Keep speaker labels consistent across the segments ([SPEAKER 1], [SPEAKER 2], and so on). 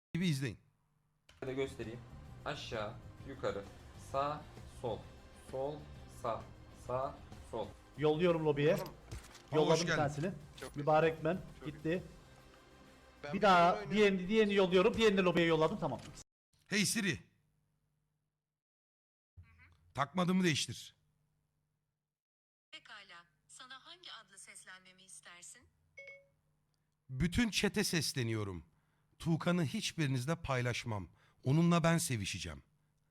[SPEAKER 1] gibi izleyin.
[SPEAKER 2] de göstereyim. Aşağı, yukarı, sağ, sol, sol, sağ, sağ, sol.
[SPEAKER 3] Yolluyorum lobiye.
[SPEAKER 1] hoş
[SPEAKER 3] Yolladım bir
[SPEAKER 1] geldin.
[SPEAKER 3] tanesini.
[SPEAKER 4] Çok
[SPEAKER 3] Mübarek men.
[SPEAKER 4] Çok
[SPEAKER 3] Gitti.
[SPEAKER 4] Ben
[SPEAKER 3] Bir daha
[SPEAKER 4] oyun oynuyorum.
[SPEAKER 3] diğerini yolluyorum. Diğerini de lobiye yolladım. Tamam.
[SPEAKER 1] Hey Siri. Takmadığımı değiştir.
[SPEAKER 5] Pekala. Sana hangi adlı seslenmemi istersin?
[SPEAKER 1] Bütün çete sesleniyorum. Tuğkan'ı hiçbirinizle paylaşmam. Onunla ben sevişeceğim.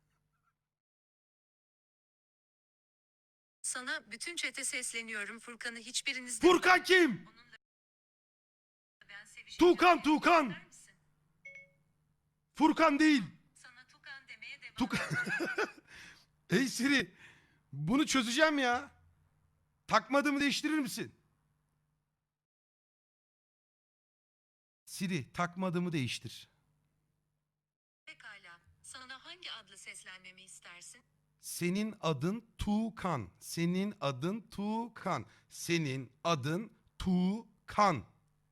[SPEAKER 5] Sana bütün çete sesleniyorum. Furkan'ı hiçbirinizden
[SPEAKER 1] Furkan kim?
[SPEAKER 5] ben sevişeceğim.
[SPEAKER 1] Tuğkan.
[SPEAKER 5] İster misin?
[SPEAKER 1] Furkan değil.
[SPEAKER 5] Sana Tukan demeye devam
[SPEAKER 1] Tuğkan.
[SPEAKER 5] edeceğim.
[SPEAKER 1] Hey Siri. Bunu çözeceğim ya. Takmadığımı değiştirir misin? Siri, takmadığımı değiştir.
[SPEAKER 5] Pekala. Sana hangi adlı seslenmemi istersin?
[SPEAKER 1] Senin adın Tuğkan. Senin adın Tuğkan. Senin adın Tuğkan.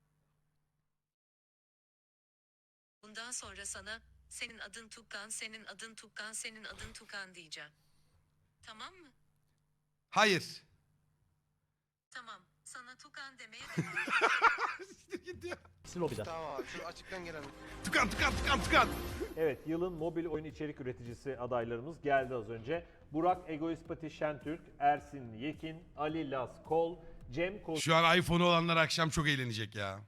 [SPEAKER 5] Bundan sonra sana senin adın Tukan, senin adın Tukan, senin adın Tukan diyeceğim. Tamam mı?
[SPEAKER 1] Hayır.
[SPEAKER 5] Tamam. Sana Tukan demeye devam
[SPEAKER 1] Git ya.
[SPEAKER 3] İkisi lobide.
[SPEAKER 4] Tamam abi şu açıktan gelen.
[SPEAKER 1] Tukan.
[SPEAKER 6] Evet, yılın mobil oyun içerik üreticisi adaylarımız geldi az önce. Burak Egoist Pati Şentürk, Ersin Yekin, Ali Las Kol, Cem
[SPEAKER 1] Şu an iPhone'u olanlar akşam çok eğlenecek ya.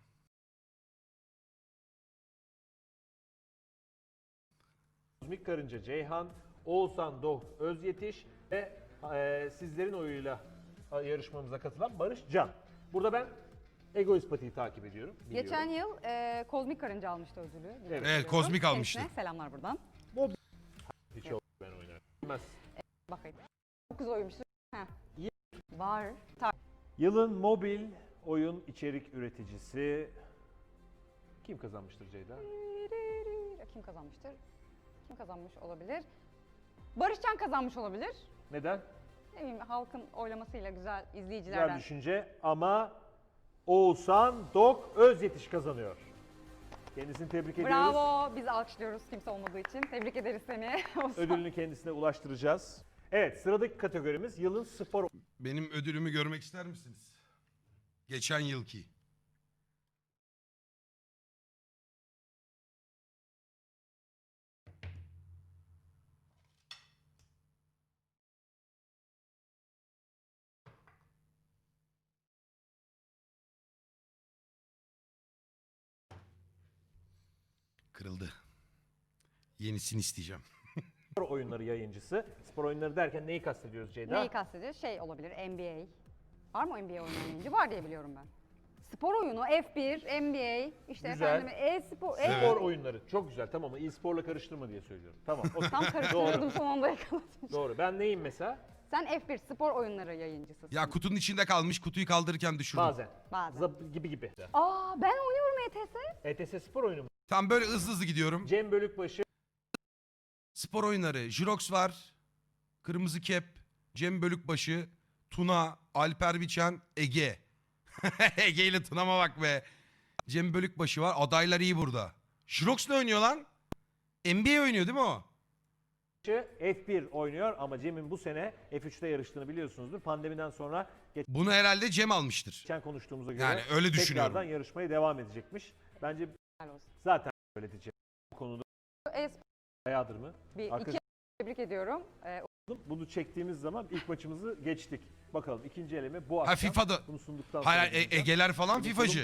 [SPEAKER 6] Kozmik Karınca Ceyhan, Oğuzhan Doğ Özyetiş ve sizlerin oyuyla yarışmamıza katılan Barış Can. Burada ben Egoist Pati'yi takip ediyorum. biliyorum.
[SPEAKER 7] Geçen yıl Kozmik Karınca almıştı ödülü.
[SPEAKER 6] Evet,
[SPEAKER 1] Kozmik almıştı.
[SPEAKER 7] Kendisine selamlar buradan.
[SPEAKER 6] Hiç yok ben oynarım. Bilmez.
[SPEAKER 7] Bakayım. 9 oyuncusu. Heh.
[SPEAKER 6] İyi.
[SPEAKER 7] Var.
[SPEAKER 6] Yılın mobil oyun içerik üreticisi kim kazanmıştır Ceyda?
[SPEAKER 7] Kim kazanmıştır? Kim kazanmış olabilir? Barışcan kazanmış olabilir.
[SPEAKER 6] Neden?
[SPEAKER 7] Ne bileyim halkın oylamasıyla güzel
[SPEAKER 6] Güzel
[SPEAKER 7] izleyicilerden.
[SPEAKER 6] düşünce ama Oğuzhan Dok Özyetiş kazanıyor. Kendisini tebrik ediyoruz.
[SPEAKER 7] Bravo. Biz alkışlıyoruz kimse olmadığı için. Tebrik ederiz seni.
[SPEAKER 6] Ödülünü kendisine ulaştıracağız. Evet, sıradaki kategorimiz yılın spor
[SPEAKER 1] Benim ödülümü görmek ister misiniz? Geçen yılki. Kırıldı. Yenisini isteyeceğim.
[SPEAKER 6] oyunları yayıncısı. Spor oyunları derken neyi kastediyoruz Ceyda?
[SPEAKER 7] Neyi kastediyor? Şey olabilir NBA. Var mı NBA oynayan oyuncu? Var diye biliyorum ben. Spor oyunu, F1, NBA, işte
[SPEAKER 6] Güzel.
[SPEAKER 7] efendim e-spor.
[SPEAKER 6] Spor oyunları. Çok güzel. Tamam, e-sporla karıştırma diye söylüyorum. Tamam. okey.
[SPEAKER 7] Tam karıştırıyordum son anda yakaladım.
[SPEAKER 6] Doğru. Ben neyim mesela?
[SPEAKER 7] Sen F1 spor oyunları yayıncısısın.
[SPEAKER 1] Ya kutunun içinde kalmış. Kutuyu kaldırırken düşürdüm.
[SPEAKER 6] Bazen.
[SPEAKER 7] Bazen.
[SPEAKER 6] Gibi.
[SPEAKER 7] Aa ben oynuyorum ETS.
[SPEAKER 6] ETS spor oyunu mu?
[SPEAKER 1] Tam böyle hızlı gidiyorum.
[SPEAKER 6] Cem Bölükbaşı,
[SPEAKER 1] Spor oyunları. Jirox var. Kırmızı Kep. Cem Bölükbaşı. Tuna. Alper Biçen. Ege. Ege ile Tuna'ma bak be. Cem Bölükbaşı var. Adaylar iyi burada. Jirox ne oynuyor lan? NBA oynuyor değil mi o?
[SPEAKER 6] F1 oynuyor ama Cem'in bu sene F3'te yarıştığını biliyorsunuzdur. Pandemiden sonra
[SPEAKER 1] Bunu herhalde Cem almıştır.
[SPEAKER 6] geçen konuştuğumuza göre
[SPEAKER 1] Yani öyle düşünüyorum.
[SPEAKER 6] tekrardan yarışmaya devam edecekmiş. Bence
[SPEAKER 7] Helal olsun.
[SPEAKER 6] zaten öyle diyeceğim. Bu konuda
[SPEAKER 7] E-spor
[SPEAKER 6] bayağıdır mı?
[SPEAKER 7] bir
[SPEAKER 6] Arkadaş-
[SPEAKER 7] iki tebrik ediyorum.
[SPEAKER 6] Bunu çektiğimiz zaman ilk maçımızı geçtik. Bakalım ikinci eleme bu
[SPEAKER 1] Ha
[SPEAKER 6] akşam.
[SPEAKER 1] FIFA'da.
[SPEAKER 6] Bunu sunduktan
[SPEAKER 1] Hayır
[SPEAKER 6] sonra
[SPEAKER 1] Ege'ler falan FIFA'cı.